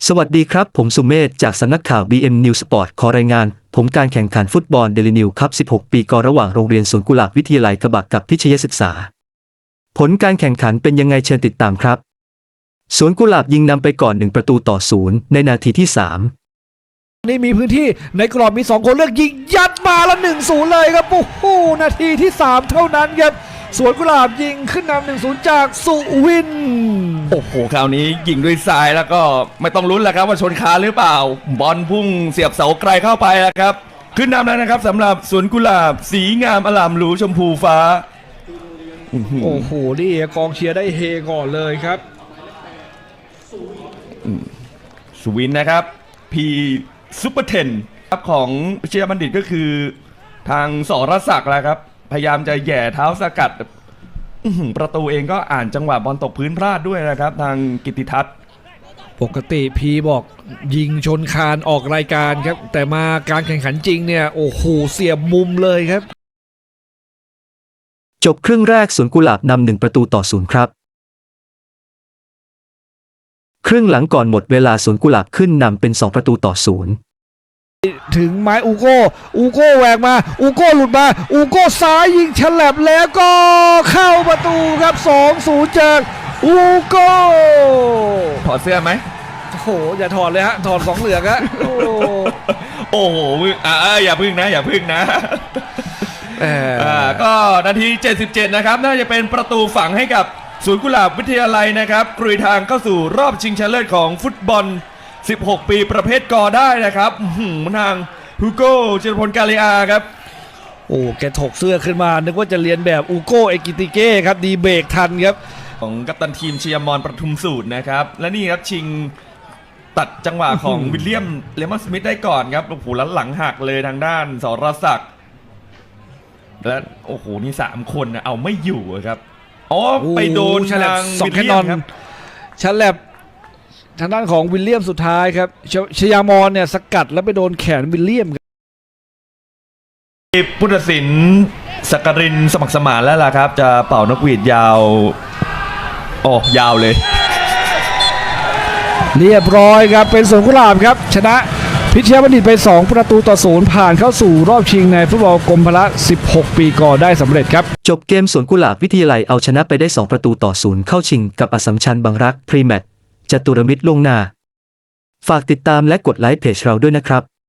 สวัสดีครับผมสุเมธจากสำนักข่าว BM News Sport ขอรายงานผลการแข่งขันฟุตบอลเดลินิวคัพ 16 ปีกระหว่างโรงเรียนสวนกุหลาบวิทยาลัยกระบะกับพิชยศึกษาผลการแข่งขันเป็นยังไงเชิญติดตามครับสวนกุหลาบยิงนำไปก่อน1-0ในนาทีที่ 3 นี่มีพื้นที่ในกรอบมี2คนเลือกยิงยัดมาแล้ว 1-0 เลยครับโอ้โหนาทีที่3เท่านั้นครับสวนกุหลาบยิงขึ้นนำ 1-0 จากสุวินโอ้โหคราวนี้ยิงด้วยซ้ายแล้วก็ไม่ต้องลุ้นแล้วครับว่าชนคานหรือเปล่าบอลพุ่งเสียบเสาไกลเข้าไปแล้วครับขึ้นนำแล้วนะครับสำหรับสวนกุหลาบสีงามอลามหรูชมพูฟ้าโอ้โหนี่กองเชียร์ได้เฮก่อนเลยครับสุวินนะครับพีซุปเปอร์เทนครับของเชียร์บัณฑิตก็คือทางสรศักดิ์แล้วครับพยายามจะแย่เท้าสกัดประตูเองก็อ่านจังหวะบอลตกพื้นพลาดด้วยนะครับทางกิตติทัศน์ปกติพีบอกยิงชนคานออกรายการครับแต่มาการแข่งขันจริงเนี่ยโอ้โหเสียบมุมเลยครับจบครึ่งแรกสวนกุหลาบนำ1-0ครับครึ่งหลังก่อนหมดเวลาสวนกุหลาบขึ้นนำเป็น2-0 ถึงไม้อูโก้แหวกมาอูโก้หลุดมาอูโก้ซ้ายยิงฉลับแล้วก็เข้าประตูครับ 2-0 จากอูโก้ถอดเสื้อไหมโอ้โหอย่าถอดเลยฮะถอด2เหลืองฮะโอ้โหอย่าพึ่งนะก็นาที77นะครับน่าจะเป็นประตูฝังให้กับสวนกุหลาบวิทยาลัยนะครับกลุยทางเข้าสู่รอบชิงชนะเลิศของฟุตบอล16 ปีประเภทกอได้นะครับทางฮูโก้เจรพลกาเลอาครับโอ้แกถกเสื้อขึ้นมานึกว่าจะเรียนแบบอูโก้เอกิติเก้ครับดีเบรกทันครับของกัปตันทีมเชียร์มอนประทุมสูตรนะครับและนี่ครับชิงตัดจังหวะของวิลเลียมเลมอนสมิธได้ก่อนครับโอ้โหแล้วหลังหักเลยทางด้านสรศักดิ์และโอ้โหนี่3คนนะเอาไม่อยู่ครับไปโดนทางวิลเลียมครับฉลับทางด้านของวิลเลียมสุดท้ายครับชยามอนเนี่ยสกัดแล้วไปโดนแขนวิลเลียมผู้ตัดสินสักกรินสมัครสมานแล้วล่ะครับจะเป่านกหวีดยาวยาวเลยเรียบร้อยครับเป็นสวนกุหลาบครับชนะพิชยบัณฑิตไป2-0ผ่านเข้าสู่รอบชิงในฟุตบอลกรมพละ16 ปีก่อได้สำเร็จครับจบเกมสวนกุหลาบวิทยาลัยเอาชนะไปได้2-0เข้าชิงกับอัสสัมชัญบางรักพรีแมตช์จตุรมิตรล่วงหน้าฝากติดตามและกดไลค์เพจเราด้วยนะครับ